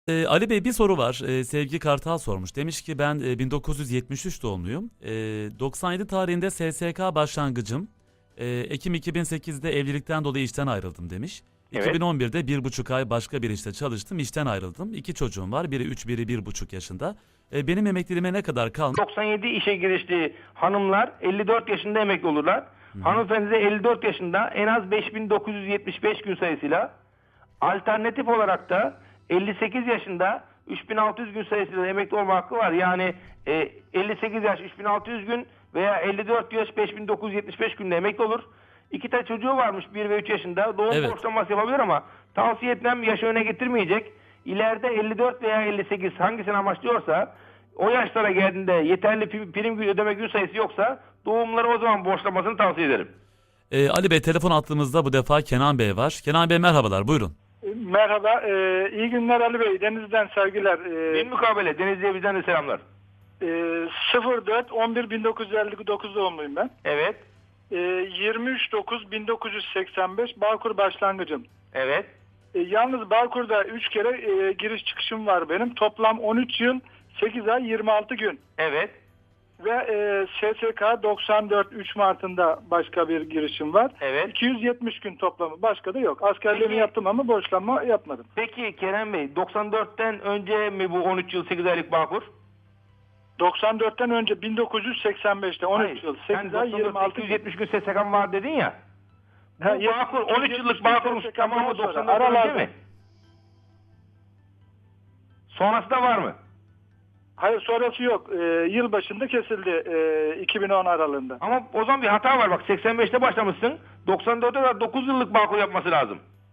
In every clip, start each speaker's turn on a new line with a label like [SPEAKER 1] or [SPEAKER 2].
[SPEAKER 1] Ali Bey bir soru var. Sevgi Kartal sormuş. Demiş ki ben 1973 doğumluyum. 97 tarihinde SSK başlangıcım. Ekim 2008'de evlilikten dolayı işten ayrıldım demiş.
[SPEAKER 2] Evet.
[SPEAKER 1] 2011'de 1,5 ay başka bir işte çalıştım. İşten ayrıldım. 2 çocuğum var. Biri 3, biri 1,5 yaşında. Benim emekliliğime ne kadar kalmış?
[SPEAKER 2] 97 işe girişli hanımlar 54 yaşında emekli olurlar. Hanımefendi de 54 yaşında en az 5975 gün sayısıyla, alternatif olarak da 58 yaşında 3600 gün sayısıyla emekli olma hakkı var. Yani 58 yaş 3600 gün veya 54 yaş 5975 günde emekli olur. 2 tane çocuğu varmış, 1 ve 3 yaşında. Doğum
[SPEAKER 1] Evet.
[SPEAKER 2] borçlanması yapabilir ama tavsiye etmem, yaşı öne getirmeyecek. İleride 54 veya 58 hangisini amaçlıyorsa, o yaşlara geldiğinde yeterli prim gün ödeme gün sayısı yoksa doğumları o zaman borçlamasını tavsiye ederim.
[SPEAKER 1] Ali Bey telefon attığımızda bu defa Kenan Bey var. Kenan Bey merhabalar, buyurun.
[SPEAKER 3] Merhaba, iyi günler Ali Bey. Deniz'den sevgiler.
[SPEAKER 2] Bir mukabele, Denizli'ye bizden de selamlar.
[SPEAKER 3] 04-11-1959 doğumluyum ben.
[SPEAKER 2] Evet,
[SPEAKER 3] 23-9-1985 Bağkur başlangıcım.
[SPEAKER 2] evet.
[SPEAKER 3] Yalnız Bağkur'da 3 kere giriş çıkışım var benim. Toplam 13 yıl, 8 ay, 26 gün.
[SPEAKER 2] Evet.
[SPEAKER 3] Ve SSK 94 3 Mart'ında başka bir girişim var.
[SPEAKER 2] Evet.
[SPEAKER 3] 270 gün toplamı. Başka da yok. Askerliğimi
[SPEAKER 2] Peki.
[SPEAKER 3] yaptım ama borçlanma yapmadım.
[SPEAKER 2] Peki Kerem Bey, 94'ten önce mi bu 13 yıl 8 aylık Bağkur?
[SPEAKER 3] 94'ten önce 1985'te 13
[SPEAKER 2] Hayır,
[SPEAKER 3] yıl
[SPEAKER 2] sen
[SPEAKER 3] 8 ay 26 gün.
[SPEAKER 2] 270 gün SSK'm var dedin ya. Bu
[SPEAKER 3] Ha,
[SPEAKER 2] Bağkur 13 yıllık Bağkur'un
[SPEAKER 3] SSK'm
[SPEAKER 2] tamamı
[SPEAKER 3] sonra,
[SPEAKER 2] 94'ten önce
[SPEAKER 3] aralarda.
[SPEAKER 2] mi? Sonrası da var mı?
[SPEAKER 3] Hayır, sonrası yok. Yıl başında kesildi 2010 aralığında.
[SPEAKER 2] Ama o zaman bir hata var bak, 85'te başlamışsın. 94'te de 9 yıllık Bağkur yapması lazım.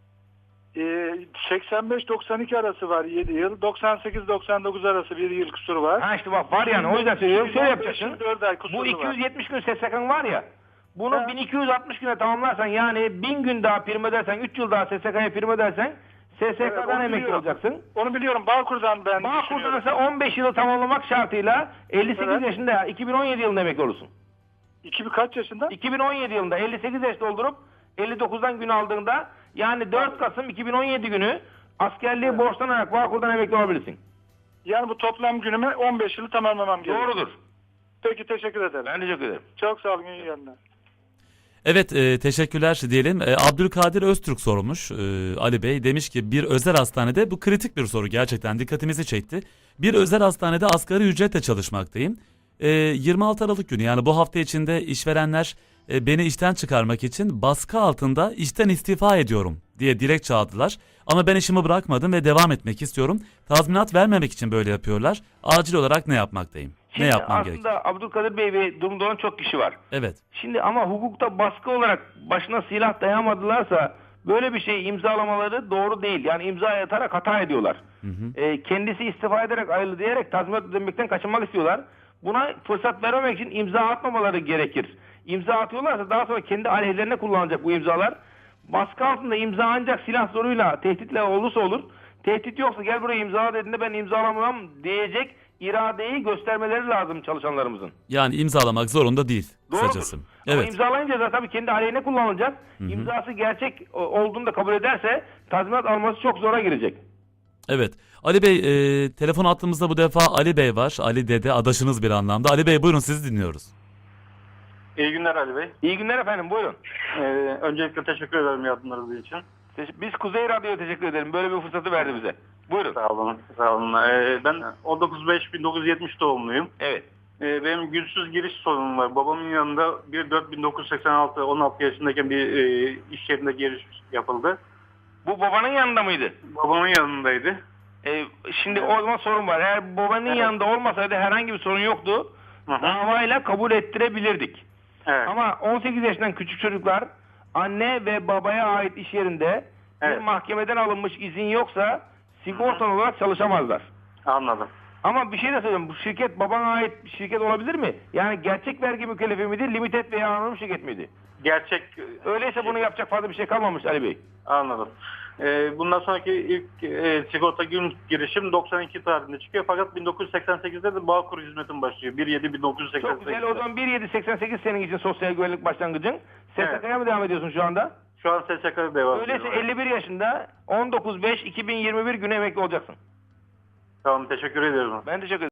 [SPEAKER 3] 85-92 arası var 7 yıl. 98-99 arası 1 yıl kusuru var.
[SPEAKER 2] Ha işte bak, var yani, o yüzden söylüyorum. Şöyle yapacaksın.
[SPEAKER 3] 4 ay kusuru
[SPEAKER 2] Bu
[SPEAKER 3] var.
[SPEAKER 2] 270 gün SSK'ın var ya. Bunu
[SPEAKER 3] Ha.
[SPEAKER 2] 1260 güne tamamlarsan, yani 1000 gün daha prim ödersen, 3 yıl daha SSK'ya prim ödersen SSK'dan
[SPEAKER 3] onu
[SPEAKER 2] emekli
[SPEAKER 3] biliyorum.
[SPEAKER 2] olacaksın.
[SPEAKER 3] Onu biliyorum. Bağkur'dan ben
[SPEAKER 2] Bağkur'da
[SPEAKER 3] düşünüyorum.
[SPEAKER 2] ise 15 yılı tamamlamak şartıyla 58
[SPEAKER 3] Evet.
[SPEAKER 2] yaşında 2017 yılında emekli olursun.
[SPEAKER 3] Kaç yaşında?
[SPEAKER 2] 2017 yılında 58 yaş doldurup 59'dan gün aldığında, yani 4 Kasım 2017 günü askerliği borçlanarak Bağkur'dan emekli olabilirsin.
[SPEAKER 3] Yani bu toplam günüme 15 yılı tamamlamam gerekiyor.
[SPEAKER 2] Doğrudur.
[SPEAKER 3] Peki, teşekkür ederim.
[SPEAKER 2] Ben teşekkür ederim.
[SPEAKER 3] Çok sağ olun. İyi günler.
[SPEAKER 1] Evet, teşekkürler diyelim. Abdülkadir Öztürk sormuş Ali Bey. Demiş ki bir özel hastanede, bu kritik bir soru, gerçekten dikkatimizi çekti. Bir özel hastanede asgari ücretle çalışmaktayım. 26 Aralık günü, yani bu hafta içinde işverenler beni işten çıkarmak için baskı altında işten istifa ediyorum diye dilekçe aldılar. Ama ben işimi bırakmadım ve devam etmek istiyorum. Tazminat vermemek için böyle yapıyorlar. Acil olarak ne yapmaktayım?
[SPEAKER 2] Şimdi
[SPEAKER 1] ne yapmam
[SPEAKER 2] aslında
[SPEAKER 1] gerekiyor?
[SPEAKER 2] Abdülkadir Bey ve durumda olan çok kişi var.
[SPEAKER 1] Evet.
[SPEAKER 2] Şimdi ama hukukta baskı olarak başına silah dayamadılarsa böyle bir şey imzalamaları doğru değil. Yani imza atarak hata ediyorlar. Kendisi istifa ederek ayrıldı diyerek tazminat ödemekten kaçınmak istiyorlar. Buna fırsat vermemek için imza atmamaları gerekir. İmza atıyorlarsa daha sonra kendi aleyhlerine kullanacak bu imzalar. Baskı altında imza ancak silah zoruyla, tehditle olursa olur. Tehdit yoksa gel buraya imzala dediğinde ben imzalamam diyecek iradeyi göstermeleri lazım çalışanlarımızın.
[SPEAKER 1] Yani imzalamak zorunda değil
[SPEAKER 2] Doğrudur.
[SPEAKER 1] kısacası.
[SPEAKER 2] Ama
[SPEAKER 1] Evet.
[SPEAKER 2] imzalayınca da tabii kendi aleyhine kullanılacak. İmzası gerçek olduğunu da kabul ederse tazminat alması çok zora girecek.
[SPEAKER 1] Evet. Ali Bey, telefon attığımızda bu defa Ali Bey var. Ali Dede, adaşınız bir anlamda. Ali Bey buyurun, sizi dinliyoruz.
[SPEAKER 4] İyi günler Ali Bey.
[SPEAKER 2] İyi günler efendim, buyurun.
[SPEAKER 4] Öncelikle teşekkür ederim yardımlarınız için.
[SPEAKER 2] Biz Kuzey Radyo'ya teşekkür ederim. Böyle bir fırsatı verdi bize. Buyurun.
[SPEAKER 4] Sağ olun. Sağ olun. Ben 19.5.1970 doğumluyum.
[SPEAKER 2] Evet.
[SPEAKER 4] Benim güçsüz giriş sorunum var. Babamın yanında 1.4.1986 16 yaşındayken bir iş yerinde giriş yapıldı.
[SPEAKER 2] Bu babanın yanında mıydı?
[SPEAKER 4] Babamın yanındaydı.
[SPEAKER 2] Şimdi o zaman sorun var. Eğer babanın yanında olmasaydı herhangi bir sorun yoktu.
[SPEAKER 4] Hı hı.
[SPEAKER 2] Davayla kabul ettirebilirdik.
[SPEAKER 4] Evet.
[SPEAKER 2] Ama 18 yaşından küçük çocuklar anne ve babaya ait iş yerinde bir
[SPEAKER 4] Evet.
[SPEAKER 2] mahkemeden alınmış izin yoksa sigortalı olarak çalışamazlar.
[SPEAKER 4] Anladım.
[SPEAKER 2] Ama bir şey de söyleyeyim. Bu şirket babana ait bir şirket olabilir mi? Yani gerçek vergi mükellefi miydi? Limited veya anonim şirket miydi?
[SPEAKER 4] Gerçek.
[SPEAKER 2] Öyleyse bunu yapacak fazla bir şey kalmamış Ali Bey.
[SPEAKER 4] Anladım. Bundan sonraki ilk sigorta gün girişim 92 tarihinde çıkıyor. Fakat 1988'de de Bağkur hizmetim başlıyor. 1.7.1988'de.
[SPEAKER 2] Çok güzel. O zaman 1.788 senin için sosyal güvenlik başlangıcın. SSK'ya mı devam ediyorsun şu anda?
[SPEAKER 4] Şu an SSK'da devam ediyorum.
[SPEAKER 2] Öyleyse 51 yaşında 19.5.2021 günü emekli olacaksın.
[SPEAKER 4] Tamam, teşekkür ediyorum.
[SPEAKER 2] Ben teşekkür ederim.